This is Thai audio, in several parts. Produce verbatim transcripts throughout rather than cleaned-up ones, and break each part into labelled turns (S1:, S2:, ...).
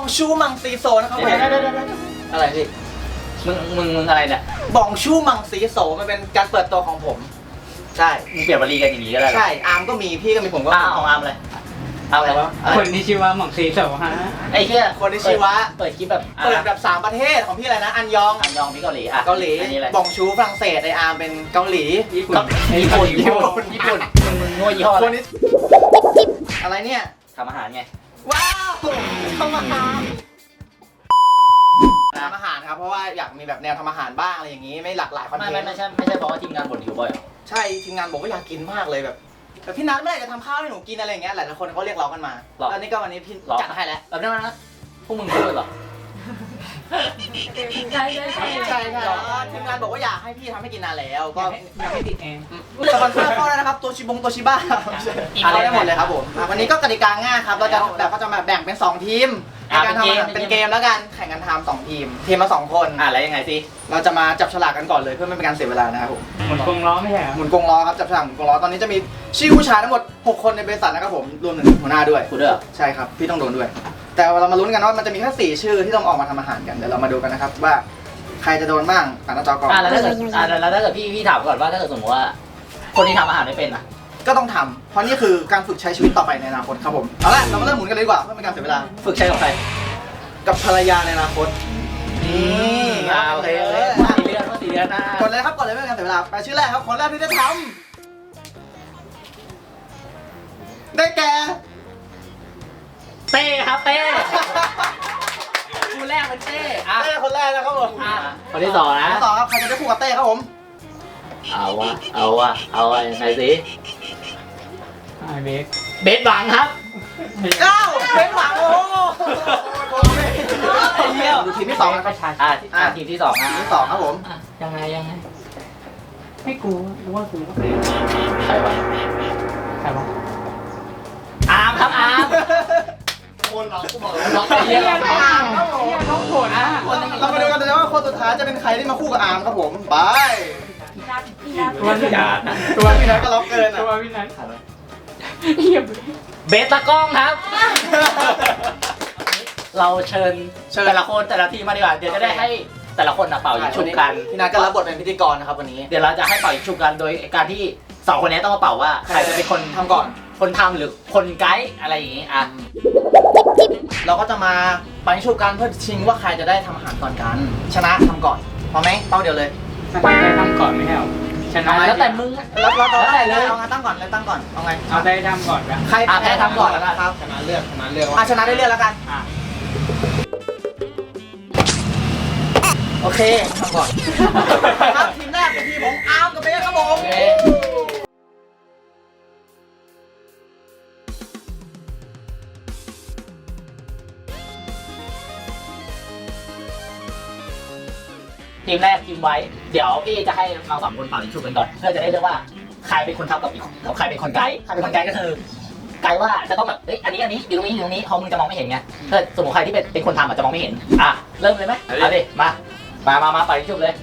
S1: องชูมังซีโซนะครับผม
S2: อะไรพี่มึงมึงมึงอะไรเนี่ย
S1: บองชูมังซีโซมันเป็นการเปิดตัวของผม ใช่
S2: มึงเปลี่ยนวลีกันอย่างนี้ก็ได้
S1: ใช่อาร์มก็มีพี่ก็มีผมก็
S2: อ้าวของอาร์มเลยเอาอะไรวะ
S3: คนที่ชื่อว่าหม่องซีโซฮะ
S2: ไอ้เหี้ย
S1: คนที่ชื่อว่า
S2: เปิดคลิปแบบ
S1: เปิดแบบสามประเทศของพี่อะไรนะอันยอง
S2: อันยองพี่เกาหลีอ่ะ
S1: เกาหลี
S2: อันนี้อะไร
S1: บองชูฝรั่งเศสไออาร์มเป็นเกาหลี
S3: ญี่ปุ่น
S2: ญี่ปุ่น
S3: ญี่
S2: ญี่
S3: ปุ่
S2: ปุ่
S3: น
S2: นญี่ปุ่นมึงมึงงัวยี่ห้อ
S1: ค
S2: อะ
S1: น
S2: ไร
S1: นี้อะไรเนี่ย
S2: ทำอาหารไง
S1: ว้าวทำอาหารทำอาหารครับเพราะว่าอยากมีแบบแนวทำอาหารบ้างอะไรอย่างนี้ไม่หลากหลายคอนเท
S2: ไม่
S1: นต์
S2: ไม่ไม่ใช่ไม่ใช่เพราะว่าทีมงานบ่นหิวบ่อยเหรอ
S1: ใช่ทีมงานบอกว่าอยากกินมากเลยแบบแบบพี่นัทเมื่อไหร่จะทำข้าวให้หนูกินอะไรอย่างเงี้ยหลายๆคนเขาเรียกร้องกันมาแล้วนี่ก็วันนี้พี่
S2: หรอ
S1: จัดให้แล้ว
S2: แบบนั้นนะพวกมึงพูดเหรอ
S4: ใช่ใช่ใช่
S1: ใช่ใช่ทีมงานบอกว่าอยากให้พี่ทำให้กินนานแล้วก็
S3: ยังไม่ติดแอร์
S1: สปอนเซอร์เข้าแล้วนะครับตัวชิบงตัวชิบ้าเข้าได้หมดเลยครับผมวันนี้ก็กติกาง่ายครับเราจะแบบก็จะมาแบ่งเป็นสองทีมในการทำอาหารเป็นเกมแล้วกันแข่งกันทำสองทีมทีมละสองคน
S2: อ่ะแล้วยังไงสิ
S1: เราจะมาจับฉลากกันก่อนเลยเพื่อไม่เป็นการเสียเวลานะครับผม
S3: หมุนกรงล้อไม่ใช่เหรอ
S1: หมุนกงล้อครับจับฉลากหมุนกงล้อตอนนี้จะมีชื่อผู้ชายทั้งหมดหกคนในบริษัทนะครับผมรวมถึงหัวหน้าด้วย
S2: กูด้วยเหรอ
S1: ใช่ครับพี่ต้องโดนด้วย แต่เรามาลุ้นกันว่ามันจะมีแค่สี่ชื่อที่ต้องออกมาทำอาหารกันเดี๋ยวเรามาดูกันนะครับว่าใครจะโดนบ้างอ่านหน้าจอก่อน
S2: อ่ะแล้วถ้าเกิดอ่ะแล้วถ้าเกิดพี่พี่ถามก่อนว่าถ้าเกิดสมมติว่า คนที่ทำอาหารไม่เป็นอ่ะ
S1: ก็ต้องทำเพราะนี่คือการฝึกใช้ชีวิตต่อไปในอนาคตครับผมเอาละเรามาเริ่มหมุนกันเลยดีกว่าเพื่อเป็นการเสียเวลา
S2: ฝึกใช้กับใคร
S1: กับภรรยาในอนาคตนี่
S2: อ่าโอเคโอเคสี่เดือนว่าสี่เดือนนะ
S1: กดเลยครับกดเลยไม่เป็นการเสียเวลาไปชื่อแรกครับคนแรกที่จะทำได้แก่
S2: เต้ครับเต้คู่แรกเป็นเต้อ่ะ
S1: เต้คนแรกนะครับผม
S2: อ่ะคนที่สองนะ
S1: คนที่สองครับใครจะได้คู่กับเต้ครับผม
S2: เอาวะเอาวะเอาวะยังไงสิ
S3: ไอเบส
S2: เบสบังครับ
S1: เก้าเป็นหวังโอ้ไอ้เหี้ยดูทีมที่สองนะครับ
S2: อ่ะอ่ะทีมที่สองนะ
S1: ทีมที่สองครับผม
S2: อ่ะยังไงยังไง
S3: ให้กูรู้ว่ากูก็เป็น
S2: ใครวะ
S3: ใครวะ
S2: อาร์มครับอาร์ม
S1: คนเรากูบอก
S2: ล็อกไอ้เหี้ยล็อก
S1: อาร์มครับผม
S3: น้องผลนะ
S1: เรามาดูกันเลยว่าคนสุดท้ายจะเป็นใครที่มาคู่กับอาร์มครับผมไป
S4: พี่นัทพี่นัท
S3: ตัวพี่นัท
S1: ตัวพี่นัทก็ล็อกเกินอ่ะ
S3: ตัวพี่นัทเฮีย
S2: เบสตะกล้องครับ เราเชิญแต่ละคนแต่ละทีมมาดีกว่าเดี๋ยวจะได้ให้แต่ละคนนะเป่ายิงฉุบกัน
S1: พี่นัทก็รับบทเป็นพิธีกรนะครับวันนี้
S2: เดี๋ยวเราจะให้เป่ายิงฉุบกันโดยการที่สองคนนี้ต้องมาเป่าว่าใครจะเป็นคน
S1: ทำก่อน
S2: คนทำหรือคนไกด์อะไรอย่างงี้อ่ะ
S1: เราก็จะมาปันชุบกันเพื่อชิงว่าใครจะได้ทำอาหารก่อนกัน ชนะทำก่อนพอไหมเป้าเดียวเลย
S3: มันได้ทำก่อนไม่ใช่หรอชนะ
S2: แล้วแต่มึงอะ
S1: แล้วเรา
S2: แล้วแต่เลย
S1: เอาไงตั้งก่อนเลยตั้งก่อนเอาไง
S3: เอาได้ทำก่อนปะ
S1: ใคร
S2: อ่ะแพ้ทำก่อนแล้วกัน
S1: ครับ
S3: ชนะเลือกชนะเลือก
S1: อ่ะชนะได้เลือกแล้วกัน
S3: อ่ะ
S1: โอเคทำก่อนครับทีมแรกเป็นทีมของอาร์มกับเบสครับผม
S2: โอเคทีมแรกทีมไว้ เดี๋ยวพี่จะให้เราสองคนเป่ายิงฉุบกันก่อน เพื่อจะได้เลือกว่าใครเป็นคนทำกับอีกแล้วใครเป็นคนไกด์ใครเป็นคนไกด์ก็คือไกด์ว่าจะต้องแบบเอ้ยอันนี้อันนี้อยู่ตรงนี้อยู่ตรงนี้เขามึงจะมองไม่เห็นไงถ้าสมมติใครที่เป็นเป็นคนทำอาจจะมองไม่เห็นอ่ะเริ่มเลยไหมเอาดิมามามามาเป่ายิงฉุบเลย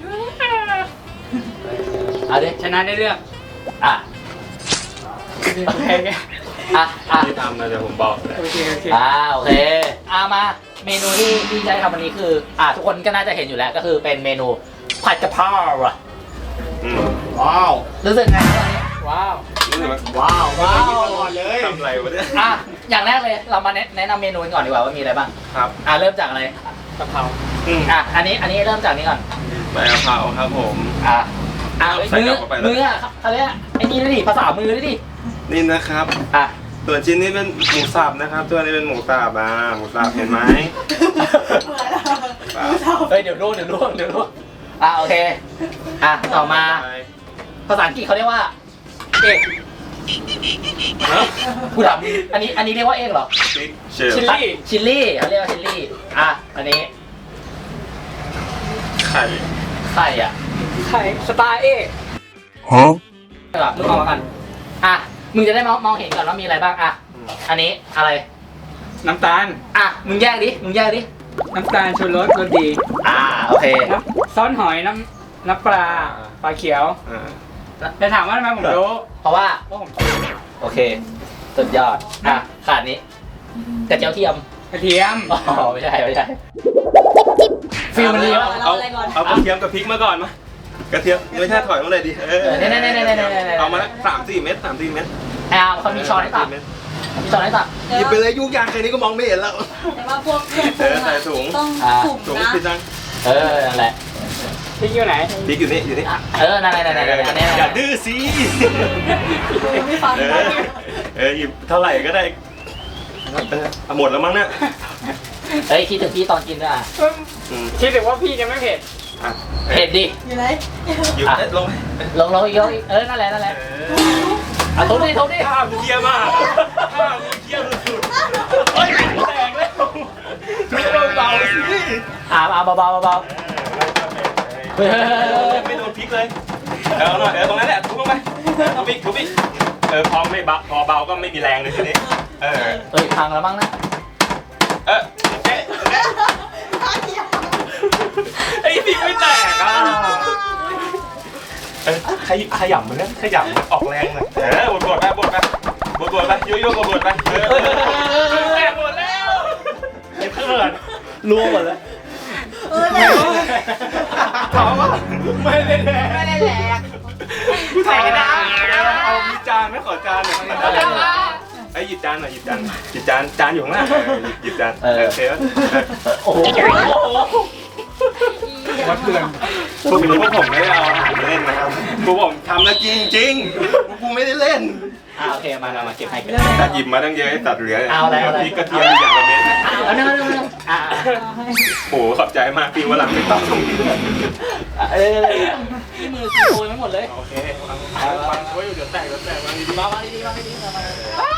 S2: เอาดิ
S3: ชนะได้เลือก
S2: อ่ะ
S3: โอเคโอเค
S2: อ่ะอ่ะ
S5: ที่ทำนะเดี๋ยวผมบอกเลย
S3: โอเคโอเค
S2: อ่าโอเคอ่ามาเมนูที่ที่จะได้ทำวันนี้คืออ่าทุกคนก็น่าจะเห็นอยู่แล้วก็คือเป็นเมนูผัดกะเพราอ่ะ
S5: อืม
S1: ว้าว
S2: รู้สึกไง
S3: ว้าว
S5: นี่มัน
S1: ว้าวว้าว
S5: ทำอะไรวะเนี่ย
S2: อ่ะอย่างแรกเลยเรามาแนะแนะนำเมนูกันก่อนดีกว่าว่ามีอะไรบ้าง
S5: ครับ
S2: อ่ะเริ่มจากอะไร
S3: กะเพรา
S5: อืม
S2: อ่ะอันนี้อันนี้เริ่มจากนี้ก่อน
S5: ใบกะเพราครับผม
S2: อ่ะอ่ะ
S5: ใส่
S2: มือก
S5: ลับเข้าไปแล้ว
S2: มืออ่ะเขาเรียกไอ้นี่ด้วยดิภาษามือด้วยดิ
S5: นี่นะครับ
S2: อ่ะ
S5: ส่วนชิ้นนี้เป็นหมูสับนะครับ ตัวนี้เป็นหมูสับอ่ะหมูสับเห็นไหมเปล่า
S2: เฮ้ยเดี๋ยวล่วงเดี๋ยวล่วงเดี๋ยวล่วงอ่ะโอเคอ่ะต่อมาภาษาอังกฤษเขาเรียกว่าเอก
S5: ฮะ
S2: กูถามอันนี้อันนี้เรียกว่าเอกเหรอ
S5: พริกเชฟ
S3: ชิลลี่
S2: ชิลลี่เขาเรียกว่าชิลลี่ อ่ะ อันนี้
S5: ไข่
S2: ไข่อ่ะ
S3: ไข่สไตล์เอก
S2: ใช่ป่ะมึงมองมากัน อ่ะ มึงจะได้มองมองเห็นก่อนว่ามีอะไรบ้าง อ่ะ อันนี้อะไร
S3: น้ำตาล
S2: อ่ะ มึงแยกดิ มึงแยกดิ
S3: น้ำตาลชูรสรสดี
S2: อ่า โอเค
S3: น้ำซอสหอยน้ำน้ำปลาปลาเขียว
S5: อ่า
S3: แต่ถามว่าทำไมผมรู้
S2: เพราะว่า
S3: เพราะผม
S2: โอเค สุดยอด อ่ะ ขาดนี้กระเจียวเทียม
S3: กระเทียม
S2: อ๋อไม่ใช่ไม่ใช่ฟิลมันดีวะ
S5: เอาเอากระเทียมกับพริกมาก่อนมากระเทียมไม่ใช่ถอยมาเลยดิเออ
S2: เนี่ยเนี่ยเนี่ยเนี่ยเนี่ย
S5: เอามาละสามสี่เม็ดสามสี่เม็ด
S2: ไอ้อาร์มเขามีช้อนให้ตักมีช้อนให้ตัก
S5: หยิบไปเลยยุกยางแค่นี้ก็มองไม่เห็นแล้ว
S4: แต่ว่าพวกเครื่องป
S5: เอ
S4: รุง
S5: อใส่
S4: อะ
S5: ถุง
S4: ต้องถุง
S5: ถุง
S4: นะ
S5: พี่จัง
S2: เออนั่นแหละ
S3: พริกอยู่ไหน
S5: พริกอยู่นี่อยู่นี่
S2: เออนั่นแหละนั่นแหละนั่นแหละนั่นแหละ
S5: อย่าดื้อสิ
S4: ไม่ฟัง
S5: เออเออหยิบเท่าไหร่ก็ได้เออเอาหมดแล้วมั้งเนี่ย
S2: เฮ้ยคิดถึงพี่ตอนกินด้วยอ่ะ
S5: อืม
S3: คิดถึงว่าพี่จะไม่เผ็ด
S5: อ่ะ
S2: เผ็ดดิ
S4: อยู่ไหน
S5: หยิบเอ๊ะลงไป
S2: ลงลงอีกลงอีกเออนั่นแหละนั่นแหละ
S5: เออ
S2: เอาทุบดิทุบดิ
S5: ข้าวมึงเยี่ยมากข้าวมึงเยี่ยมสุดๆเฮ้ยแตกแล้วทุบเบาๆสิ
S2: อ่าเอาเบาๆเบา
S5: เออไม่โดนพริกเลยเออเอาหน่อยเออตรงนั้นแหละทุบลงไปทุบอีกทุบอีกเออพอไม่เบาพอเบาก็ไม่มีแรงเลยทีนี้เออ
S2: ๆเอ้ยพังแล้วมั้งนะ
S5: เออเจ๊ไอ้พริกไม่แตกอ่ะเออขยขยำมันนะขยำมันออกแรงหน่อยเออบดบดไปบดไปบดบดไปยุ่ยยุ่ยบดบดไปเออแตกหมดแล้วไอ้เพื่อนรั่วหมดแล้ว
S4: เออเนี่ย
S5: ถามว่าไม่ได้แดก
S1: ไม่ได้แหลก
S5: ใส่กระดาษเอามีจานไหมขอจานหน่อยไอ้หยิบจานหน่อยหยิบจานหยิบจานจานอยู่ข้างหน้าหยิบจานเออโอเค
S2: โอ้โห
S3: วัดเพื่อน
S5: พวกนี้พวกผมไม่ได้เอาอาหารมาเล่นนะครับพวกผมทำแล้วจริงจริงกูไม่ได้เล่น
S2: อ่าโอเคมามามาเก็บให้เก็บ
S5: แต่หยิบมาตั้งเยอะให้ตัดเหลือ
S2: เอาอะไรเอาอะไร
S5: พริกกระเทียมอย่างละเม็ด
S2: เอาเนื้อเนื้อเนื้ออ่า
S5: โอ้ขอบใจมากพี่วันหลังไม่ต้อง
S2: เออที่มือโอยไม่หมดเลย
S5: โอเควางวางไว้อยู่เดี๋ยวแตกเดี๋ยวแตกวางดี
S2: มามาดีๆมาดีๆมามา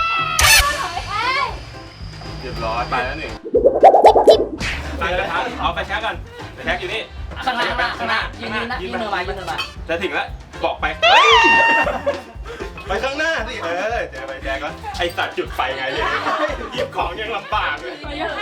S5: ๆเรียบร้อยไปแล้วหนึ่งตั้งกระทะเอาไปแช็กก่อนไปแช็กอยู่นี่
S2: ข้างหน้าข้างหน้ายืนยืนนะยืนมือมายืนมือมา
S5: จะถึงแล้วบอกไปไปข้างหน้าสิเออเจอไปแช็กก็ไอสัตว์จุดไฟไงเนี่ยหยิบของยังลำบากเลย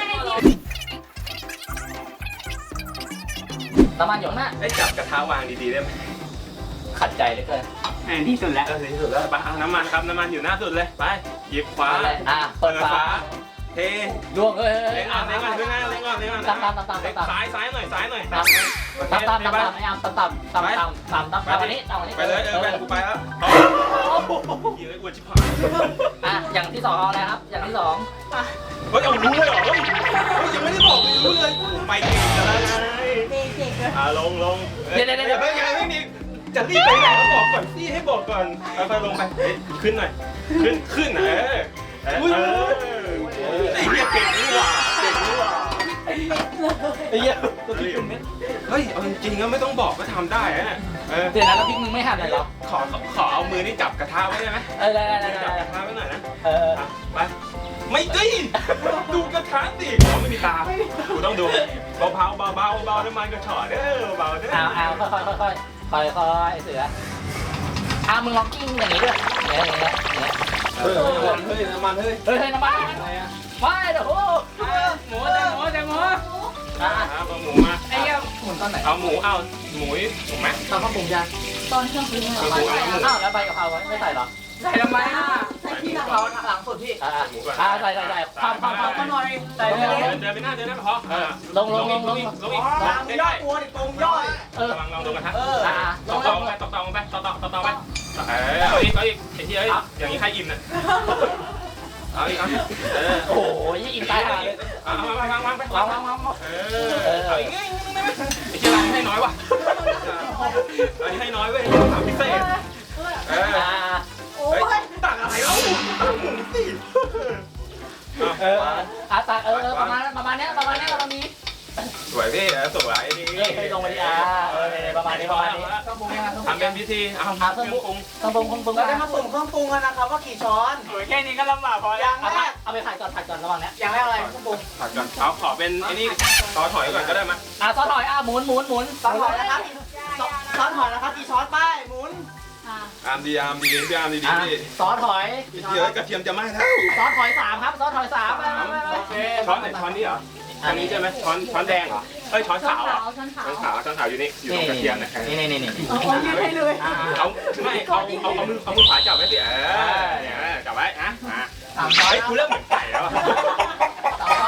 S2: น้ำมันอยู่ข้างหน้า
S5: ไอ้จับกระทะวางดีๆได้ไหม
S2: ขัดใจเหลือเกิน
S3: อันที่สุดแล้ว
S5: เออที่สุดแล้วไปเอาน้ำมันครับน้ำมันอยู่หน้าสุดเลยไปหยิบขวา
S2: อ่ะเปิดฝา
S5: เท
S2: ล่วงเอ้ย
S5: เล็งก่อนเล็งก่อนเล็งก่อนเล็งก่อนเล็งก่อน
S2: ตามตามตามตามตาม
S5: ซ้ายซ้ายหน่อยซ้ายหน่อย
S2: ตามตามตามตามตามไอ้อามตามตามตามตามตามตามตามวันนี้ตามวันนี้
S5: ไปเลยเออไปกูไปแล้วยิงไอ้อวดชิบหาย
S2: อ่ะอย่างที่สองเอาอะไรครับ อย่างที่สอง
S5: เฮ้ยเอารู้เลยเหรอเฮ้ยยังไม่ได้บอกเลยรู้เลยไปเก่งแล้วไง
S4: เด็กเด็กเลย
S5: อ่าลงลง
S2: เดี๋ยวเดี๋ยวเดี๋ยว
S5: ไม่ยังไม่มีจะรีบไปไหนก็บอกก่อนสิให้บอกก่อนค่อยๆลงไปขึ้นหน่อยขึ้นขึ้นเออเออไอ้เหี้ยเก่งนี่หว่าเก่งนี่หว่า
S2: ไอ้เหี้ย
S5: เฮ้ยเอาจริงๆก็ไม่ต้องบอกก็ทำได้อะเออ
S2: เดี๋ยวนะแล้วพริกมึงไม่หั่นเลยเหรอ
S5: ขอขอเอามือนี่จับกระทะไว้ได้ไหม
S2: เออได้ได้ได้
S5: จับ
S2: ได้
S5: กระทะไว้หน่อยนะ
S2: เออ
S5: ไปไม่ดิดูกระทะสิเขาไม่มีตากูต้องดูเบาๆเบาๆเบาเบาน้ำมันกระฉอดเด้อเบาเด้อ
S2: เอาเอาค่อยค่อยค่อยค่อยค่อยค่อยเสืออ่ะมึงลองกิ้งอย่างนี้ด้วยอย่างเงี้ยอย่างเงี้ยอย่างเงี้ย
S5: เฮ้ยเฮ้ยน้ำมันเฮ้ย
S2: เฮ้ยเฮ้ยน้ำมันไม่เดี๋ยวโอ้
S3: หมูแต่หมูแต่หมู
S2: อ่ะ
S5: เอาหมูมา
S3: ไอ้เหี้ย
S2: หมุนตอนไหน
S5: เอาหมูเอาหมูถูกไหม
S2: ตอนข้าวปรุงยัง
S4: ตอนเครื่องปรุงอะ
S5: เอาหมูเอาหมู
S2: อ้าวแล้วใบกะเพราไม่ใส่หรอ
S3: ใส่ทำไมอ่ะ
S4: ใส่ที่หลัง
S1: เราหลังสุดพี่
S2: อ่าอ่าใส่ใส่ใส่ความความความก็หน่อยใส่
S5: เดิ
S2: เลย
S5: นเดินไปหน้าเดินหน้าพอเออ
S2: ลงลงลงลง
S5: ลงอีกลงอีก
S1: มียอดตัวดิตรงยอด
S2: เออ
S5: ระวังลองดูกระทะ
S1: เออ
S2: อ่าล
S5: ตอง ก
S2: ล
S5: ตอง งไปตอกตองไปตอกตองตอกตองไปเออเอาอีกเอาอีกไอ้ที่เอ้ยอย่างนี้ใครอิ่มน่ะเอาอีกเอาเออ
S2: โอ้โหยี่อินตายห่าเลย
S5: เอาวางวางวางไป
S2: วางวางวาง
S5: เออเอาอีกไงไอ้ที่ร้านให้น้อยว่ะอันนี้ให้น้อยเว้ยถามพิเศษเออ
S2: อ่า
S4: โอ้
S5: เฮ้ย
S4: ย
S5: ตักอะไรเล่าตักหมูสิ
S2: เอออ่ะตาเออประมาณประมาณเนี้ยประมาณเนี้ยประมาณนี้
S5: สวยพี่สวยดี
S2: เฮ้ยลงมาดิอ่าเออประมาณนี้ประมาณนี้ต้องปรุงยังไงต้องปรุ
S5: ทำ
S2: ง
S5: เป็
S2: ยั
S5: น
S2: ง
S5: พิธีเอา
S2: อ่าเครื่องปรุงต้องปรุงต้องปรุง
S1: เราได้มาสุ่มเครื่องปรุงกันนะครับว่ากี่ช้อน
S3: โอ้ยแค่นี้ก็ลำบากพอ
S1: อ
S3: แล้ว
S1: ย่างแรก
S2: เอาไปผัดก่อนผัดก่อนระหว่างเนี้ย
S1: อย่างแรกอะไรเครื่องปรุง
S5: ผัดก่อนเอาขอเป็นไอ้นี่ซอสหอยก่อนก็ได้มั้ย
S2: อ่ะซอสหอยอ่ะหมุนหมุนหมุน
S1: ซอสหอยนะครับซอสหอยนะครับกี่ช้อนป้ายหมุน
S4: อ่ะ
S5: อามดีอามดีพี่อามดีดี
S2: อ่ะ
S5: พี่
S2: ซอสหอย
S5: เดี๋ยวกระเทียมจะไหม้แล้ว
S2: ซอสหอยสามครับซอสหอยสามไปไปไปไป
S5: โอเคช้อนไหนช้อนนี้เหรอช้อนนี้ใช่ไหมช้อนช้อนแดงเหรอเอ้ยช้อน
S4: ช้อน
S5: ขาวเหร
S4: ขา
S5: อ
S4: วช้อนขาว
S5: ช้อนขาวช้อนขาวอยู่นี่อยู่ตรงกระเทียมเนี่ย
S2: นี่นี่นี่นี่
S4: เอาเอายืดให้เลย
S5: เอาไม่เอาเอาเอามือเอามือขวาจับไว้สิเออเนี่ยจับไว้นะอ่ะ
S2: สามช้อน
S5: เฮ้ยกูเริ่มเหมือนไก่แล้ว
S2: สามช้อน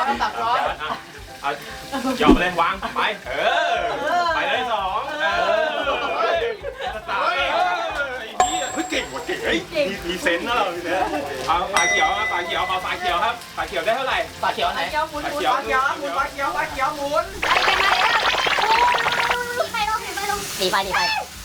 S1: ครับตักช้อน
S5: เอายอมเลยวางไปเออไปเลยสองเออสามเออไอ้เหี้ยเฮ้ยเก่งว่ะเก่งเฮ้ยมีมีเซนส์นะเราเนี่ยเอาฝาเขียวฝาเขียวเอาฝาเขียวครับฝาเขียวได้เท่าไหร่
S2: ปลาเขียวไหน
S4: เขียวหมุน
S5: ฝา
S4: หมุน
S5: เขียว
S1: ปลาเขียวหมุนปลาเขียวปลาเขียวหมุน
S4: ไปลงไปลง
S6: หนีไปหนีไป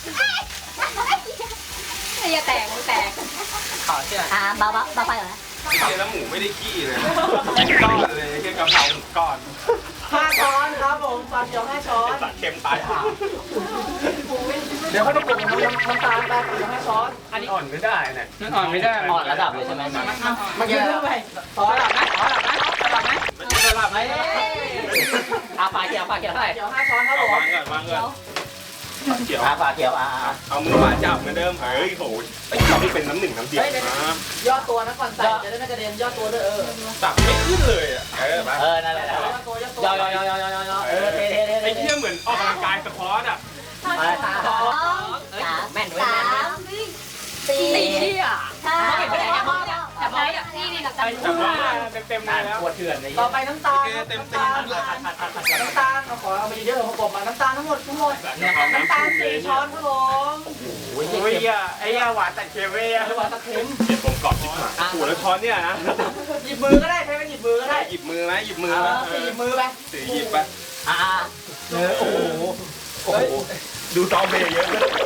S4: อย่าแตกแตก
S2: ขอเชื่อ
S6: อ่าเบาเบาเบาไฟก่อนนะ
S5: ไอ้เหี้ยแล้วหมูไม่ได้ขี้เลยก้อนเลยแค่กะเพราหมูก้อน
S1: ห้าช้อนครับผมปลาเขียวห้าช้อน
S5: ตัดเค็มตายห่า
S1: เดี๋ยวเขาจะปรุงน้ำน้ำตาลไปปลาเขียวห้าช้อน
S5: อันนี้อ่อนไม่ได้เนี่ย
S3: นั่นอ่อนไม่ได้
S2: อ่อนระดับเลยใช่ไหม
S1: เมื่อกี้แล้วซอส
S3: หลับไหมขอหลับไหมขอหลับไหม
S5: มันจะสลับไหม
S2: อาปลาเขียวปลาเขียวเท่าไหร่
S1: เขียวห้าช้อนครับผ
S5: เอา
S1: ม
S5: วางก่อนวางก่อนเขียว
S2: อาปลาเขียวอ่า
S5: เอามือวางจับเหมือนเดิมเฮ้ยโหไอ้เราไม่เป็นน้ำหนึ่งน้ำเดียวนะ
S1: ยอดตัวนะก่อนใส่จะได้ไม่กระเด็นยอดตัวด้วยเออ
S5: ตักไม่ขึ้นเลยอ่ะเออมา
S2: เออนั่นแหละ
S1: ยอดตัวยอดตัวย
S2: อยอยอยอยอยอเออเท่เท่เท่
S5: ไอ้เที่ยเหมือนออกกำลังกายสควอตอ่ะ
S6: สองสามสามสี่
S4: สี่อ่ะ
S6: ห้า
S4: เก็บไปไหนอะพ่อเนี่ยจับไว้อะนี่นี่จับ
S3: ไอ้หัวเต็มๆเลยแล้ว
S2: ปวดเถื่อนเลย
S1: ต่อไปน้ำตาล
S5: เต็ม
S1: น้ำ
S5: เต็ม
S1: ตาลน้ำตาลเราขอเอาไปเยอะๆผมกบมาน้ำตาลทั้งหมดทั้งหมดน้ำตาลสี่ช้อนครับผม
S2: โอ้ย
S3: โอ้ยอ่ะไอ้ยาหวานตัดเค็มเว้ย
S1: หรือว่าตะเค็ม
S5: เก็บผมกรอบชิบหายโอ้แล้วช้อนเนี่ยนะ
S1: หยิบมือก็ได้ใช้เป็นหยิบมือก็ได้
S5: หยิบมือไหมหยิบมือ
S1: เอ
S5: ไหม
S1: อสี่มือไป
S5: สี่หยิบไป
S2: อ่าเออโอ้โหโอ้โห
S5: ดูซอมเบย์เยอะ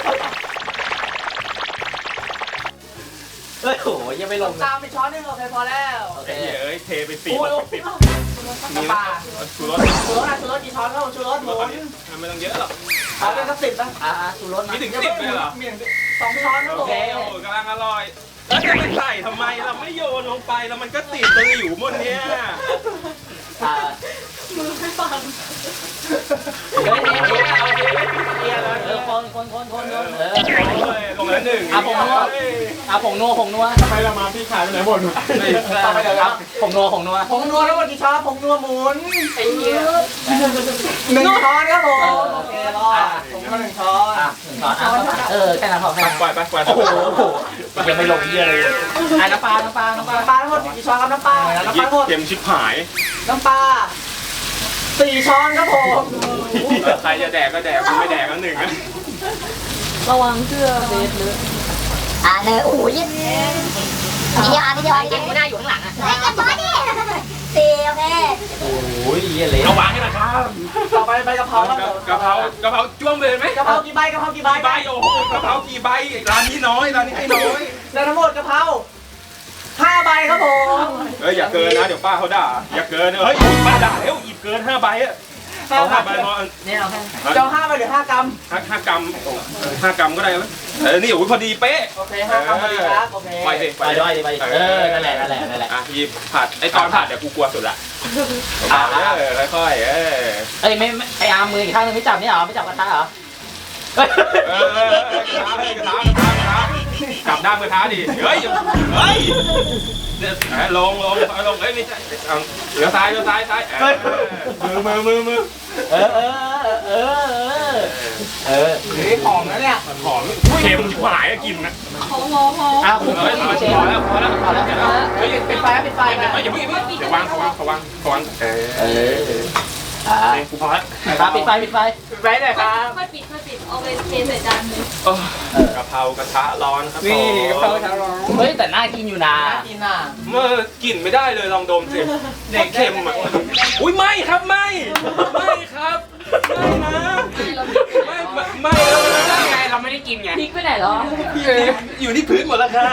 S2: เฮ้ยโอ้โหยังไม่ลงเลย
S1: ตามไปช้อนหนึงโอเคพอแล้ว
S2: โอเค
S5: ไอ้เอ้ยเทไปสี่
S1: โอ้ย
S5: หกสิบมี
S1: ปลา
S5: ชูรส
S1: ชูรสนะชูรสกี่ช้อนครับชูรสหมุน
S5: ไม่ต้องเยอะหรอก
S1: เอาเป็นสักสิบนะ
S2: อ่าสูรส
S5: ไม่ถึงสิบเลยเหรอ
S1: มีอย่างสองช้อนครับ
S5: โอ
S1: ผม
S5: เคโอ้โหกำลังอร่อย แล้วจะไปใส่ทำไมเราไม่โยนลงไปแล้วมันก็ติดตรงอยู่บนเนี้ย
S2: อ่า
S4: มือไม่ฟัง
S2: เฮ้ยเฮ้ยเฮ้ยเอาเฮ้ยเฮ้ยเออคนคนคนคนคนเออ
S5: ลงแล้วหนึ่ง
S2: อ่ะผมนัวอ่ะผงนัวผงนัว
S3: ทำไมเรามาพี่ขายไปไหนหมด
S2: ต่อไปเดี๋ยวครับผงนัวผงนัว
S1: ผงนัวทั้งหมดกี่ช้อนผงนัวหมุน
S2: ไอ้เหี้ย
S1: หนึ่งช้อนครับผม
S2: เออ
S1: โอเครอดผงนัวหนึ่งช้อน
S2: อ่ะหนึ่งช้อนอ่ะเออแค่นั้นพอแค่นั้น
S5: ปล่อยไปปล่อย
S2: โอ้โหยังไม่ลงเหี้ยเลยอ่ะน้ำปลาน้ำปลาน้ำปลา
S1: น้ำปลาทั้งหมดกี่ช้อนครับน้ำปลาน้ำปลาทั้งหมด
S5: เค็มชิบหาย
S1: น้ำปลาสี่ช้อนครับผม
S5: ใครจะแดกก็แดกกูไม่แดกก็หนึ่ง
S4: ระวังเสื้อเบสเลย
S6: อ่าเนยโอ้ยนิดเดียวอ่ะนิดเดียวนิดเดียว
S2: ไม่น่าอยู่ข้างหลังอ่ะ
S6: ไอ้กันบอดี้สี่โอเค
S2: โอ้ยเหี้ยเละ
S5: เอาวางให้นะครับ
S1: ต่อไปใบกะเพราครับ
S5: กะเพรากะเพราจ้วงเลยไหม
S1: กะเพรากี่ใบกะเพรากี่ใบ
S5: กี่ใบโอ้โหกะเพรากี่ใบร้านนี้น้อยร้านนี้ให้น้อย
S1: แล้วทั้งหมดกะเพราห้าใบครับผม
S5: เอ้ยอย่าเกินนะเดี๋ยวป้าเขาด่าอย่าเกินเฮ้ยป้าด่าแล้วหยิบเกินห้าใบอะ
S1: ห้า
S5: เอา
S1: ใบ
S5: ห้าใบพอ
S2: เนี่ยเอาแค่
S1: เจ้าห้าใบหรือห้ากรัม
S5: ห้าห้ากรัมห้ากรัมก็ได้ไหมเออนี่โอ้ยพอดีเป๊ะ
S1: โอเคห้ากรัมพอดีครับโอเค
S5: ไปดิ
S2: ไปด้วยไปเออนั่นแหละนั่นแหละนั่นแหละ
S5: อ่ะหยิบผัดไอตอนผัดเดี๋ยวกูกลัวสุดละอ่าเออค่อยๆเออ
S2: เอ้ยไม่ไออาร์มมืออีกข้างนึงไม่จับนี่เหรอไม่จับกระทะเหรอเฮ้ย
S5: เออกระทะกระทะกระทะกระทะกลับด้านกระทะดิเฮ้ยเฮ้ยเดี๋ยวลงลงลงเอ้ยไม่ใช่เอาเหลือซ้ายเหลือซ้ายซ้ายมือมือมือมือ
S2: เออเออเออเออ
S1: เฮ้ยหอมนะเนี่ย
S5: หอมเค็มชิบหายอะกินนะ
S4: หอมหอมหอม
S2: อ้าวคุณ
S5: เฮ้ยพอ
S2: เชฟ
S5: แล้วพอแล้วพอแล้วเดี๋ยว
S1: เฮ้ยปิดไฟครับปิดไฟ
S5: เดี๋ยว
S1: นะ
S5: อย่าเพิ่งอย่าเพิ่งเดี๋ยววางเขาวางเขาวางเขาวางเออ
S2: เอออ่า
S5: กูพอแล้ว
S2: ครับปิดไฟปิดไฟ
S1: ปิดไฟหน่อยครับ
S4: ค่อยปิดค่อยปิดเอาไปเทใส่จานเลย
S5: กะเพรากระทะร้อนครับ
S3: นี่กะเพราชาร้อน
S2: เฮ้ยแต่น่ากินอยู่นะ
S1: น่ากินอ่ะ
S5: เมื่อกลิ่นไม่ได้เลยลองดมสิเด็กเค็มอ่ะอุ้ยไม่ครับไม่ไม่ครับไม่นะไม่ไม่แล้วนะ
S3: ไงเราไม่ได้กินไง
S4: พริกไปไหนเหรอ
S5: อยู่ที่พื้นหมดแล้วครับ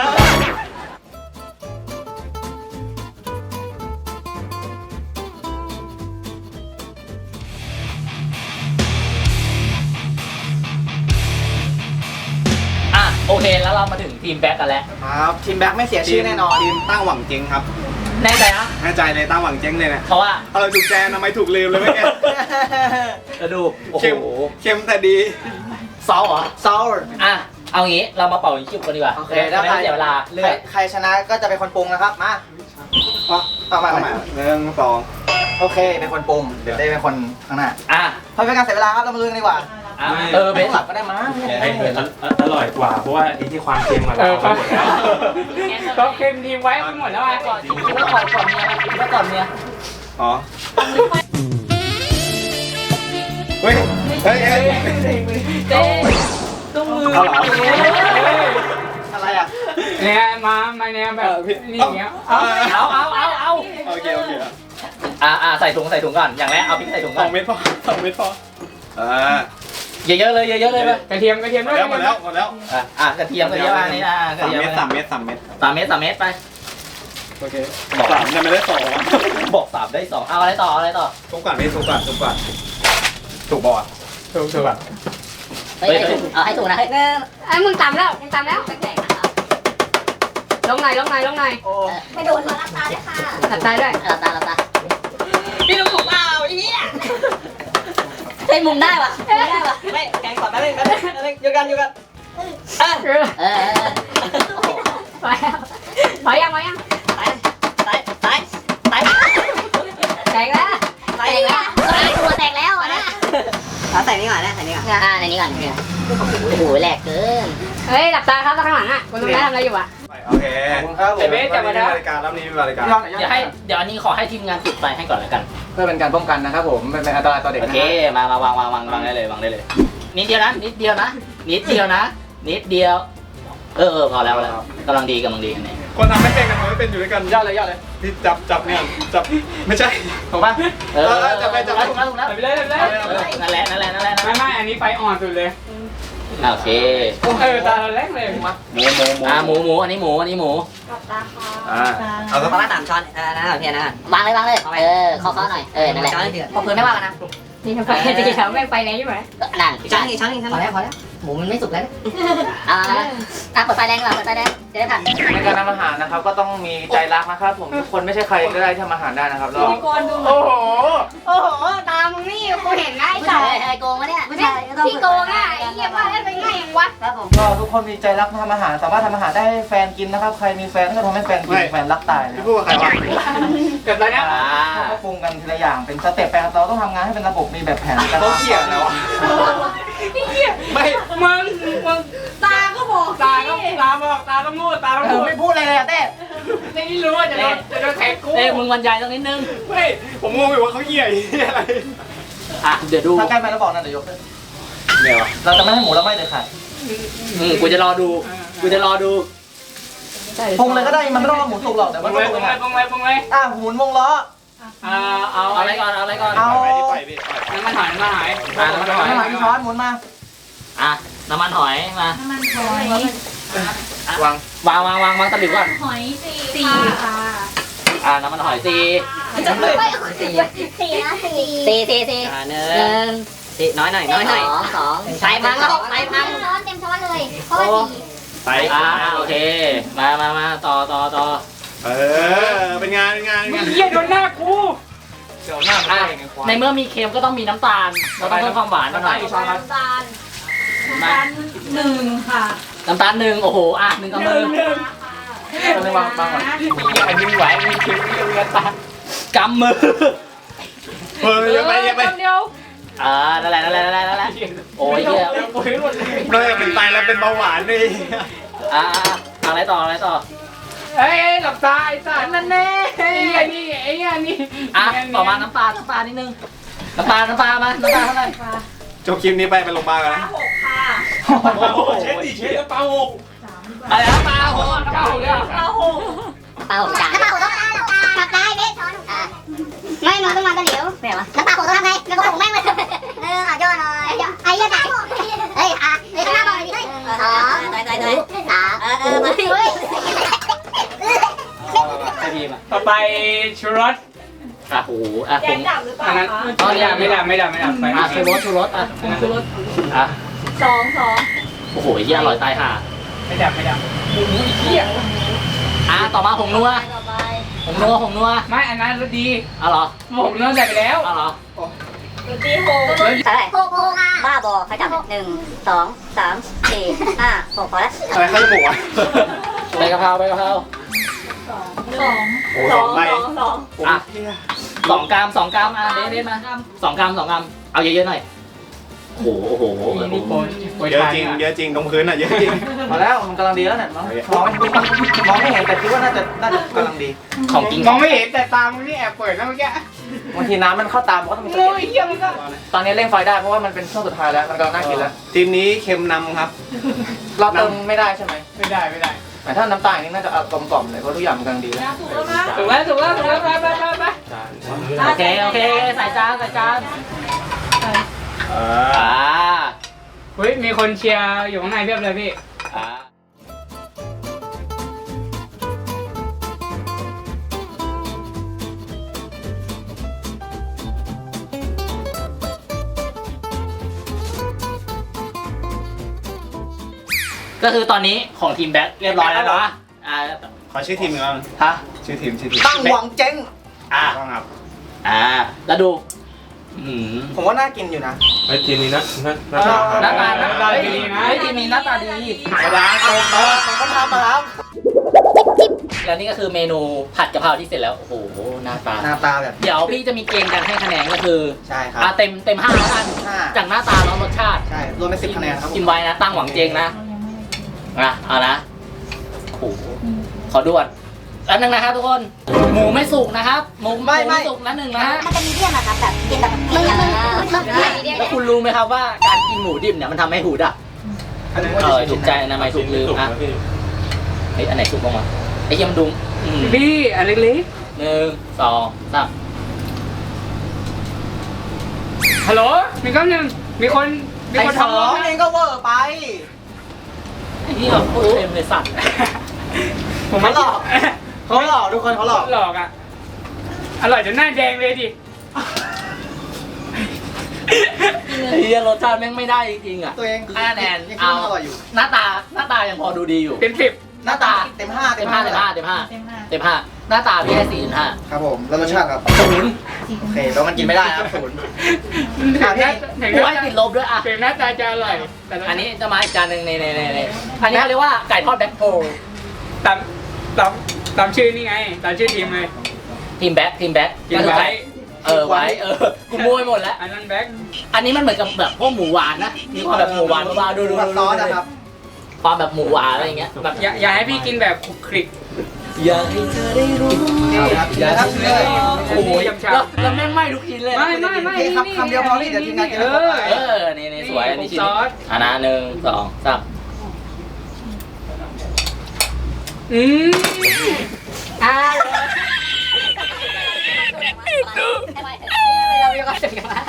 S2: อ่ะโอเคแล้วเรามาถึงทีมแบ็กกันแล้ว
S1: ครับทีมแบ็คไม่เสียชื่อแน่นอน
S7: ทีมตั้งหวังเจ๊งครับ
S2: แน่ใจนะ
S7: แน่ใจเลยตั้งหวังเจ๊งเลยเนี่ย
S2: เพราะว่า
S7: เอาเราถูกแจนทำไมถูกลืมเลยไม่แก
S2: กระดูกโอ้โห
S7: เค็มเค็มแต่ดี
S2: ซอสเหรอ
S1: ซาวร์
S2: อ่ะเอางี้เรามาเป่ายิงฉุบกันดีกว่า
S1: โอเค
S2: ได้
S1: ได้
S2: ไม่เสียเวลาเลื
S1: ใคร
S2: อก
S1: ใครชนะก็จะเป็นคนปรุงนะครับมาเอามา
S7: เอา
S1: เอา
S7: ใหม่
S1: มา
S7: หนึ่งสอง
S1: โอเคเป็นคนปรุงเดี๋ยวได้เป็นคนข้างหน้า
S2: อ่ะ
S1: เพราะเป็นการเสียเวลาครับเรามาลุยกันดีกว่า
S2: อ่ะเออเบส
S1: หลับก็ได้มั้ง
S5: ไอ้อร่อยกว่าเพราะว่าไอ้ที่ความเค็มมา
S3: เอ
S5: เรา
S3: อครับ
S5: หมดแล้ว
S3: ก็เค็มทีมไว้ไปหมดแล้วอ่ะ
S2: ก่อนคิดว่าก่อนก่อนเมียนะคิดว่าก่อนเมีย
S7: อ๋อเฮ้ยเฮ้ยเฮ้ย
S4: เต้ตุ้มมือ
S7: เอาเหรอ
S1: อะไรอ่ะ
S3: เนี่ยมามาเนี่ยแบบนี่อย่างเงี้ย
S2: เอาเอาเอาเอาเอา
S7: โอเคโอเค
S2: อ่าอ่าใส่ถุงใส่ถุงก่อนอย่างแรกเอาพริกใส่ถุง
S7: ส
S2: ก่อ
S7: อน งเม็ดพอสองเม็ดพออ่า
S2: เยอะๆเลยเยอะๆเลยไป
S3: กระเทียมกระเทียม
S7: หม
S3: ด้
S7: ด
S3: วย
S7: แล้วหมดแล้วหมดแล้ว
S2: อ่ะอ่ะกระเทียมกระเทียมอันนี้อ่ะกระ
S7: สาม
S2: เทียม
S7: เม็ดสามเม็ดสามเม็ด
S2: สามเม็ดสามเม็ดไป
S7: โอเคสามจะไม่ได้สอง
S2: บอกสามได้สองเอาอะไรต่อเอาอะไรต่อ
S7: ทุกก่อนนี่ทุกก่อนทุกก่อนถูกบอด
S3: ถูกถูกแบบ
S6: เฮ้ยเอาให้ถูกนะเฮ้ย
S4: ไอ้มึงตำแล้วมึงตำแล้วลงไหนลงไหนลงไหน
S6: ไม่โดนมาลับตาด้วยค่ะ
S4: ตัดตายด้วย
S6: หลับตาหลับตาพี่ลุงผมเปล่าเฮียเฮ้ยมุมได้ปะมุมได้ปะไม่แกงก่อนแป๊บนึงแป๊บนึงแป๊บนึงอยู่กันอยู่กันเออเออเออ
S4: ไปแล้วไปยังไปยัง
S6: ตายตายตายตาย
S4: แตกแล้ว
S6: แตกแล้วตัวแตกแล้วอ่ะนะเอาใส่นี่ก่อนนะใส่นี่ก่อนอ่าในนี้ก่อนโอ้โหแหลกเกิน
S4: เฮ้ยหลับตาครับข้างหลังอ่ะคุณตรงนี้ทำอะไรอยู่อ่ะ
S7: โอเค
S1: ขอบคุณครับผม
S3: ไอเบสจับมาแล้ว
S7: รายการรับนี้เป็นรายการ
S1: พี่ลองหน่อย
S2: เดี๋ยวให้เดี๋ยวอันนี้ขอให้ทีมงานติดไฟให้ก่อนแล้วกัน
S1: เพื่อเป็นการป้องกันนะครับผมไม่เป็นอันตรายต่อเด็ก
S2: โอ
S1: นะ
S2: เคมามาวางวางวางวางได้เลยวางได้เลยนิดเดียวนะนิดเดียวนะนิดเดียวนะนิดเดียวเออเออพอแล้วพอแล้วกำลังดีกำลังดีอันนี้
S7: คนทำไม่เป็นกันทำไม่เป็นอยู่ด้วยกัน
S1: ยอดเลยยอดเลย
S7: ที่จับจับเนี่ยจับไม่ใช่
S1: ถูกป่ะ
S2: เออจะไปจะไปถูกแล้วถูกแล้ว
S3: ไปเลยไปเลย
S2: นั่นแหละนั่นแหละนั่นแหละ
S3: ไม่ไม่อันนี้ไฟอ่อนสุดเลย
S2: โอเค
S3: เออตาเราแรกเลย
S7: หมูหมูหมู
S2: อ่าหมูหมูอันนี้หมูอันนี้หมู
S7: อ่าเอาสัก
S6: ประมาณสามช้อนเออนะโอเคนะวางเลยวางเลยเออเคาะๆหน่อยเออนั่นแหละพอพื้นไม่ว่ากันนะ
S4: นี่ทำไฟดีแล้วแม่งไฟแรงอยู่ไหม
S6: นั่นช้อนนึงช้อนนึงพอแล้วพอแล้วหมูมันไม่สุกแล้วอ่าอ่ะเปิดไฟแรงดีกว่าเปิดไฟแรงจะได้ผัด
S1: ในการทำอาหารนะครับก็ต้องมีใจรักนะครับผมทุกคนไม่ใช่ใครก็ได้ที่ทำอาหารได้นะครับแล้ว
S4: พี่กรดู
S1: โอ้โห
S4: โอ้โหตามึงนี่กูเห็นง่าย
S6: ผู้
S4: จั
S6: ชาง ยอะไรโกงวะเนี่ยผู้ชาย
S4: พี่โกงอ่ะไอ้เหี้ยว่าเล่นไปง่ายอย่างวะ
S6: ครับผม
S1: ก็ทุกคนมีใจรักทำอาหารสามารถทำอาหารได้ให้แฟนกินนะครับใครมีแฟนก็ทำให้แฟนกินแฟนรักตายเลย
S7: พี่พูดกับใครวะ
S3: เกิดอะไรเนี่ย
S2: อ่า
S1: ก็ปรุงกันทีละอย่างเป็นสเต็ปไปครับเราต้องทำงานให้เป็นระบบมีแบบแผนการ
S7: เขาเขียนแล้ววะ
S3: ไม่มึงมึง
S4: ตาก็บอก
S3: ตาก็ตาบอกตาต้องพูดตาต้อง
S1: ผ
S3: พู
S1: ม
S3: ด
S1: ไม่พูดอะไรเลยอะเต้
S3: ในนี้รู้ว่าจะโดนจะโดนแขกกู
S2: เอ้ยมึงบรรยายสักนิดนึง
S7: ไม่ผมงงอยู่ว่าเขาเหี้ยอะไร
S2: อ่ะเดี๋ยวดู
S1: ถ้าใกล้ไปแล้วบอกนะเดี๋ยวยกขึ้น
S7: เนี่ยวะ
S1: เราจะไม่ให้หมูเราไม่เลยค่ะ
S2: อืมกูจะรอดูกูจะรอดู
S1: ปรุงเลยก็ได้มันไม่ต้องเอาหมูสุกหรอกแต่
S3: ป
S1: ว่า
S3: ง
S1: ต้
S3: เล
S1: อย ง
S3: ป
S1: ปรุ
S3: ง
S1: ง
S3: เลย
S1: อะ
S3: ปงเลยปงเลย
S1: อ่ะหมุนวงล้อ
S3: อ่าเอา
S2: เอาอะไรก่อนเอาอะไรก่อน
S1: เอา
S7: ไปดิไปดิไป
S3: น้ำมันหอยน้ำมันหอย
S2: อ่าน้ำมันหอย
S1: น้ำมันช้อนหมุนมา
S2: อ่ะน้ำมันหอยมา
S1: วาง
S2: วางวางวางวางตะหลิวก่อน
S4: หอยสี่ค่ะ
S2: อ่าน้ำมันหอยสี่
S6: สี่สี่นะสี่สี่สี่สี่
S2: อ่าหนึ่
S6: ห
S2: ง
S6: นึ่งสี่น้อยหน่อยน้อยหน่อยสองสองใส่พังแล้วใส่พังช้อนเต็มช้อนเลยเพราะว่าสี่
S7: ไป
S2: อ่าโอเคมามามาต่อต่อต่อ
S7: เออเป็นงานเป็นงานเป็น
S3: มึ
S7: งาง น
S3: เหี้ยโดนหน้ากู
S1: เดี๋ยวหน้ามัน
S2: อ่ะ
S1: เองไงควาย
S2: ในเมื่อมีเค็มก็ต้องมีน้ำตาลเราต้องเพิ่มความหวานมาหน่อย
S4: น้ำตาลน้ำตาลหนึ่งค่ะ
S2: น้ำตาลหนึ่งโอ้โหอ่ะหนึ่งกำมือ
S1: เราเลยวางวางก่อน
S3: ไอ้มึงไหวมึงเค็มมึงเลือดตาก
S2: ำมือ
S7: เฮ้ยอย่าไปอย่าไป
S4: เดียว
S2: อ่านั่นแหละนั่นแหละนั่นแหละนั่นแหละโอ้ยเหี้ย
S7: เราจะเป็นไตแล้วเป็นเบาหวานนี่
S2: อ่าอ่าอะไรต่ออะไรต่อ
S3: เฮ้ยหลับตาไอ้สัตว์นั่นแน่ไอ้เหี้ยนี่ไอ้เหี้ยนี่
S2: อ่ะต่อมาน้ำปลาน้ำปลานิดนึงน้ำปลาน้ำปลามาน้ำปลาเท่าไหร่
S7: จบคลิปนี้ไปไปโรงพยาบาลกันนะ
S4: หกค่ะ
S7: โอ้โหเช็ดดิเช็ดแล้วเปล่าหก
S2: อะไรน้ำปลาโอ้โหน้ำปลาโอ้โหเนี่ย
S4: ปลาหก
S6: เปล่าจานน้ำปลาโขต้องกลับได้เบ๊ช้อนไม่หนูต้องมาตะหลิวไม่เหรอน้ำปลาโขต้องทำไงน้ำปลาโขแม่งเลยเอออ่ะย่อหน่อยไอ้ย่อจ่ายเฮ้ยอ่ะเฮ้ยข้างหน้าบอกเลยดิสองตายตายตายสามเออเออมาเฮ้ย
S2: ไอพีมอ่ะ
S3: ต่อไปชูรส
S2: อ่ะโอ้โหอ่ะ
S4: แก
S2: ผ
S4: ง
S2: ง
S4: ดับหรือเปล่า
S3: อันนั้น
S4: คะ
S3: ไม่ดับไม่ดับไม่ดับไม่ดับไป
S2: อ่ะชูรสชูรสอ่ะชูรสอ่ะ
S4: สองสอง
S2: โอ้โหเหี้ยอร่อยตายห่า
S3: ไม่ดับไม่ดับหมูอีเหี้ย
S2: อ่ะต่อมาผงนัว
S6: ต่อไป
S2: ผงนัวผงนัว
S3: ไม่อันนั้นรสดี
S2: เอาเหรอ
S3: ผมเริ่มใส่ไปแล้ว
S2: เอาเหรอ
S4: ตีหก
S6: เท่าไหร่หกหกค่ะบ้าบอใครจับหนึ่งสองสามสี่ห้าหกพอแล้ว
S7: อะไรเขาจะบอกวะ
S2: ใบกะเพราใบกะเพรา
S4: สอง
S7: โอ้สองใบ
S4: สอง
S2: อ่ะสองกรัมสองกรัมอ่ะเด็ดเด็ดมาสองกรัมสองกรัมเอาเยอะๆหน่อยโอ้โหโอ้โห
S3: นี่โปรโปร
S7: เยอะ
S3: ทาน
S7: จริงเยอะจริงตรงพื้นอ่ะเยอะจริง
S1: มาแล้วมันกำลังดีแล้วเนี่ยมองมองไม่มองไม่เห็นแต่คิดว่าน่าจะน่าจะกำลังดี
S2: ของจริง
S3: มองไม่เห็นแต่ตามึงนี่แอบเปิดนะเมื่อกี้
S1: บางทีน้ำมันเข้าตามมันก็ต้องมีสะ
S3: โอ้ย
S1: เก็ด
S3: เยี่ยมก็
S1: ตอนนี้เร่งไฟได้เพราะว่ามันเป็นช่วงสุดท้ายแล้วมันกำลังน่ากินแล้ว
S7: ทีมนี้เค็มนำครับ
S1: เราเติมไม่ได้ใช่ไหม
S3: ไม่ได้ไม่ได้
S1: แต่ถ้าน้ำตาลนี่น่าจะกลมกล่อมเลยเพราะทุกอย่างมันกำลังดีแล้ว
S4: ถูกแล้วนะ
S3: ถูกแล้วถูกแล้วถูกแล้วไปไปไปไป
S2: โอเคโอเคใส่จานใส่จาน
S7: เอ
S2: อ่า
S3: เฮ้ยมีคนเชียร์อยู่ข้างในเพียบเลยพี่
S2: อ่าก็คือตอนนี้ของทีมแบ็คเรียบร้อยแล้วเนาะอ่า
S7: ขอชื่อทีมอีกรอบหนึ่ง
S2: ฮะ
S7: ชื่อทีมชื่อทีม
S1: ตั้งหวังเจ๊ง
S2: อ่า
S7: ต้องครับ
S2: อ่าแล้วดูอืม
S1: ผมว่าน่ากินอยู่นะ
S5: ไอ้ทีมนี้นะนะ
S2: หน้าตา
S3: หน้าตาดีนะ
S2: เฮ้ยทีมนี้หน้าตาดี
S1: ธรรมดาโกงเขาเขาทำมาครับ
S2: แล้วนี่ก็คือเมนูผัดกะเพราที่เสร็จแล้ว โอ้โห หน้าตา
S1: หน้าตาแบบ
S2: เดี๋ยวพี่จะมีเกณฑ์การให้คะแนนก็คือ
S1: ใช่ครับ
S2: อ่าเต็มเต็มห้าแล้วกัน
S1: ห้า
S2: จากหน้าตาแล้วรสชาติ
S1: ใช่รวมเป็นสิบคะแนนครับผม
S2: กินไว้นะ ตั้งหวังเจงนะนะเอานะโอ้โหขอด่วนแล้วนึงนะครับทุกคน หมูไม่สุกนะครับ หมูหมูไม่สุกนะหนึ่งนะฮะ
S6: มันจะมีเดียมอะครับแบบกินแบบมึงมึงมึงมึง
S2: แล้วคุณรู้ไหมครับว่าการกินหมูดิบเนี่ยมันทำให้หูดับ
S1: อันนี้
S2: เออถูกใจนะไม่ถูกลืมอ่ะเฮ้ยอันไหนถูกบ้างวะไอ้เหี้ยมันดุมอืม
S3: พี่อันเล็ก
S2: หนึ่งสองสาม
S3: ๆฮัลโหลมีคำหนึ่งมีคนมี
S1: ไอ้
S3: คน
S1: สอ
S3: ทำรถ
S1: งเองก็เวอร์ไป
S2: ไอ้นี่แบบโคตรเต็มเลยสัตว์
S3: ผมไม่
S1: เขาหลอก เขาหลอกทุกคนเขาหลอก
S3: หลอกอ่ะอร่อยจนหน้าแดงเลยดิ
S2: ไอ้เหี้ยรสชาติแม่งไม่ได้จริงๆอ่ะ
S1: ตัวเอง
S2: ให้คะแนน
S1: ยังคิด
S2: เอา
S1: ว่าอร่อยอยู่
S2: หน้าตาหน้าตายังพอดูดีอยู่
S3: เป็นสิบ
S1: หน้าตาเต็มห้า
S2: เต็มห้าเต็มห้าเต็มห้าเต็มห้าหน้าตาพี่ให้สี่จุดห้า
S1: ครับผมแล้วรสชาติครับ
S2: ศูนย์
S1: โอเคแล้วมันกินไม่ได้ครับศูนย์
S3: ถึงหน้าถึง
S2: กู
S3: หน้า
S2: ให้ติดลบด้วยอ่ะ
S3: ถึงหน้าตาจะอร่อยแต่
S2: อันนี้จะมาอีกจานหนึ่งในในในในอันนี้เขาเรียกว่าไก่ทอดแบ็คโฮล
S3: ตามตามตามชื่อนี่ไงตามชื่อทีมเลย
S2: ทีมแบ็คทีมแบ็ค
S3: ทีมไว้
S2: เออไว้เออกูโมยหมดแล้ว
S3: อันนั้นแบ็ค
S2: อันนี้มันเหมือนกับแบบพวกหมูหวานนะมีความแบบหมูหวานบ้าๆดูดู
S1: ผัด
S2: ดู
S1: ซอสนะครับ
S2: ความแบบหมูหวานอะไรอย่างเงี้ยแบบ
S3: อย่าอย่าให้พี่กินแบบคลุกคลิก
S2: อยากให้เธอได้รู้
S1: เอาครับ
S2: อยากให้เธอได้รู้โอ้โห
S3: ยำชา
S2: แล้วแล้วแม่งไหม้ทุกชิ้นเลย
S3: ไม่ไม่ไม่
S1: โอเคครับคำเดียวพอนี่เดี๋ยวทีมงานกิน
S3: เอ
S1: แล้ว
S3: อ
S2: เออนี่นี่สวยอันนี้ชิ้น
S3: ซอส
S2: อ่ะนะหนึ่งสองสาม
S3: อืม
S6: อ่า
S4: เรามีความสุขกันมา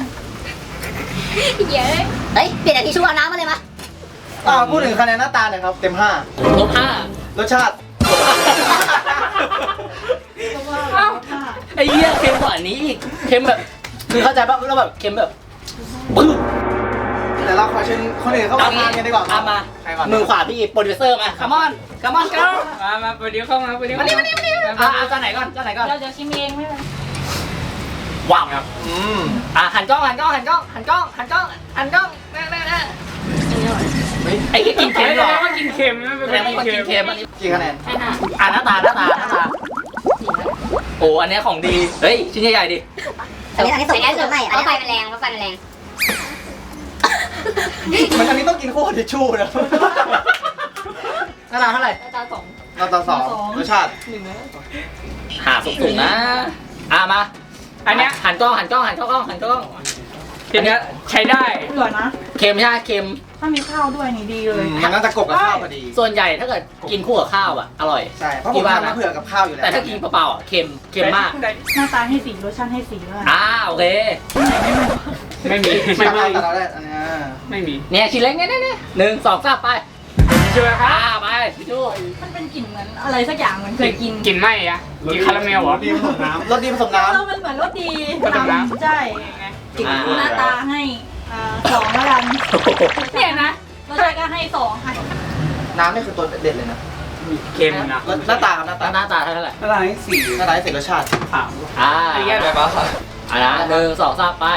S4: เย้
S6: เฮ้ยเปลี่ยนจากทิชชู่เอาน้ำมาเลยมา
S1: อ่าพูดถึงคะแนนหน้าตาหน่อยครับเต็มห้า
S2: ลบห้าร
S1: สชาติ
S2: ไอ้เหี้ยเค็มกว่านี้อีกเค็มแบบคือเข้าใจป่ะเราแบบเค็มแบบบึ้ม
S1: แต่เราขอเชิญคนอื่นเข้ามาทานกันดีกว่า
S2: เอามา
S1: ใครก่อน
S2: มือขวาพี่โปรดิวเซอร์มาคัมอนคัมอนเกิร์ล
S3: มามาประเดี๋ยวเข้ามาประเดี๋ยว
S2: มานี่มานี่มานี่อ่ะเอาจานไหนก่อนจานไหนก่อน
S4: เราจะชิมเองไม่เป็น
S2: ว้าว
S1: อืม
S2: อ่ะหันกล้องหันกล้องหันกล้องหันกล้องหันกล้องหันกล้องแน่แน่แน่ไอ้ที่กิน
S3: เค็
S2: เค็
S3: ม
S2: ม
S3: เห
S2: เห
S3: ร
S2: ร
S3: อ
S2: อ
S3: ว่ากินเค็มไม่เป็น
S2: แสดงว่าคน
S3: กิ
S2: กิ
S3: น
S2: น
S3: เค็
S2: เค็
S3: ม
S2: มอันนี้
S1: กี่คะแนน
S4: แค่ห้า
S2: อ่ะหน้าตาหน้าตาหน้าตาโอ้อันเนี้ยของดีเฮ้ยชิ้นใหญ่ๆดิ
S6: อันนี้อันนี้ส่ง
S4: แต่แค่สุด
S6: ไม่
S4: เพ
S6: อัน
S4: ราะ
S6: นี้
S4: ไฟมันแรงเพราะไฟมันแรง
S1: มันอันนี้ต้องกินคู่กับทิชชู่นะ
S2: หน้าตาเท่าไหร่
S4: ตาสอง
S1: เราต่อสองรสชาติ
S2: หาสูงๆนะอ่ะมา
S3: อันเนี้ย
S2: หันกล้องหันกล้องหันกล้องหันกล้อง
S3: ทีเนี้ยใช้ได้
S8: เหลือนะ
S2: เค็มใช่ไหมเค็ม
S8: ถ้ามีข้าวด้วยนี่ดีเลย
S1: มันน่าจะกบกับข้าวพอดี
S2: ส่วนใหญ่ถ้าเกิดกินคู่กับข้าวอ่ะอร่อย
S1: ใช่ เพราะผมทำมาเผื่อกับข้าวอยู่แล้ว
S2: แต่ถ้ากินเปล่าๆอ่ะเค็มเค็มมาก
S8: หน้าตาให้สีรสชาติให้สีด้วย
S2: อ่าโอเค
S3: ไม่มี
S1: ไม่
S3: ไม่
S1: ไม่
S3: มี
S1: แต่เราได้อันนี้
S3: ไม่มี
S2: เนี่ยชิ้นเล็กเนี่ยเนี่ยเนี่ยหนึ่งสองสามไป
S3: ใช่ไหมครั
S2: อ่า
S3: บ
S2: ไปพี่จู้
S8: มันเป็นกลิ่นเหมือนอะไรสักอย่างเหมือนเคยกิน
S3: กินไหมอะกินคาราเมลเหรอ
S7: ดีผสมน้ำ
S1: รสดีผสมน้
S8: เออมันเหมือนรสดี
S3: ผสมน้ำ
S8: ใช่กลิ่นหน้าตาให้อ่าสองแล้วกันเนี่ยนะรสชาติก็ให้สองค่ะ
S1: ำน้ำนี่คือตัวเด็ดเลยนะ
S3: เค็มนะ
S1: รสหน้าตาครับหน้าตา
S2: หน้าตาเท่าไหร่
S7: อะไรสี่
S1: หน้าตาให้เสร็จรสชาติ
S7: สาม
S2: อ่า
S3: ไอ้เหี้ย
S1: อะไรบ้าง
S2: อ่านะหนึ่งสองสามไป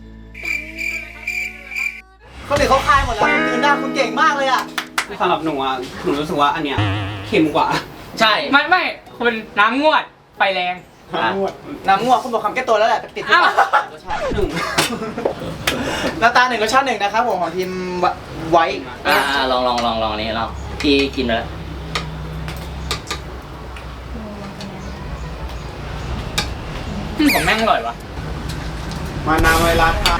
S1: คนอื่นเขาคายหมดแล้วคุณยืนได้คุณเก่งมากเลยอ่ะ
S7: สำหรับหนูอ่ะหนูรู้สึกว่าอันเนี้ยเค็มกว่า
S2: ใช่
S3: ไม่ไม่คุณน้ำงวดไฟแรง
S2: อ่ะ
S1: น้ำง่วงคุณบอกคำแก้ตัวแล้วแหละติดที่
S3: อ้าว
S1: รสชาติ
S7: หนึ่ง
S1: หน้าตาหนึ่งรสชาติหนึ่งนะครับผมของทีมไว้
S2: อ่าลองลองลองลองนี่ลองที่กินไปแล้ว
S3: ของแม่งอร่อยวะ
S7: มานาเวลาทาน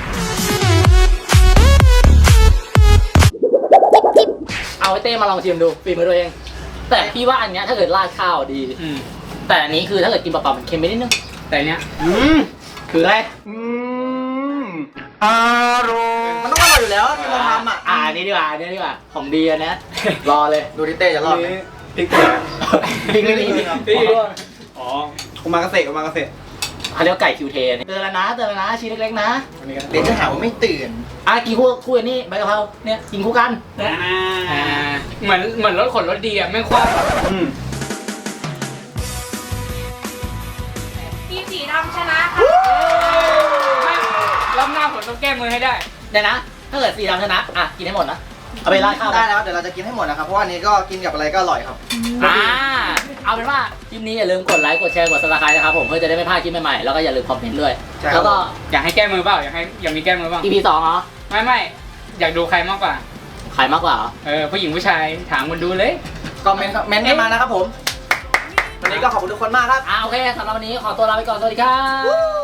S2: เอาไอ้เต้มาลองชิมดูฝีมือตัวเอง แต่พี่ว่าอันเนี้ยถ้าเกิดราดข้าวดี
S3: อืม
S2: แต่อันนี้คือถ้าเกิดกินเปล่าๆมันเค็มไปนิดนึง
S3: แต่เนี้ย
S7: อืม
S2: คืออะไร
S7: อืมอร่อย
S1: มันต้องอร่อยอยู่แล้วที่เราทำอ่ะ
S2: อ่าอันนี้ดีกว่าอันนี้ดีกว่าของดีอันเนี้ยรอเลย
S1: ดูดิเต้จะรอดไหม
S7: พริกเกลือ
S2: พริกไม่มีพริก
S3: พี่
S7: อ๋อโอมากาเสะโอมากาเสะ
S2: เขาเรียกว่าไก่คิวเทนเตือนแล้วนะเตือนแล้วนะชิ้นเล็กๆนะ
S7: อันนี้ก็
S1: เดี๋ยวจะหาว่าไม่ตื่น
S2: อ่ะกินคู่คู่อันนี้ใบกะเพราเนี่ยกินคู่กัน
S3: อ่าเหมือนเหมือนรถขนรถดีอ่ะแม่งคว้า
S7: อืม
S8: ทีมสีดำชนะค่ะ
S3: รอบหน้าผมต้องแก้มือให้ได้
S2: เดี๋ยวนะ ถ้าเกิดสีดำชนะอ่ะกินให้หมดนะเอาไปราดข้าว
S1: ได้นะครับเดี๋ยวเราจะกินให้หมดนะครับเพราะว่าอันนี้ก็กินกับอะไรก็อร่อยครับ
S2: อ่าเอาเป็นว่าคลิปนี้อย่าลืมกดไลค์กดแชร์กดซับสไครต์นะครับผมเพื่อจะได้ไม่พลาดคลิปใหม่ๆแล้วก็อย่าลืมคอมเมนต์ด้วย
S1: ใช่ครับ
S2: แล้วก็
S3: อยากให้แก้มือเปล่าอยากให้อยากมีแก้มือเปล่า
S2: อี พี สองเหรอ
S3: ไม่ไม่อยากดูใครมากกว่า
S2: ขายมากกว่าเหรอ
S3: เออผู้หญิงผู้ชายถามคนดูเลย
S1: ก็เมนต์เมนต์กันมานะครับผม วันนี้ก็ขอบคุณทุกคนมากครับ
S2: อ่าโอเคสำหรับวันนี้ขอตัวลาไปก่อนสวัสดีครับ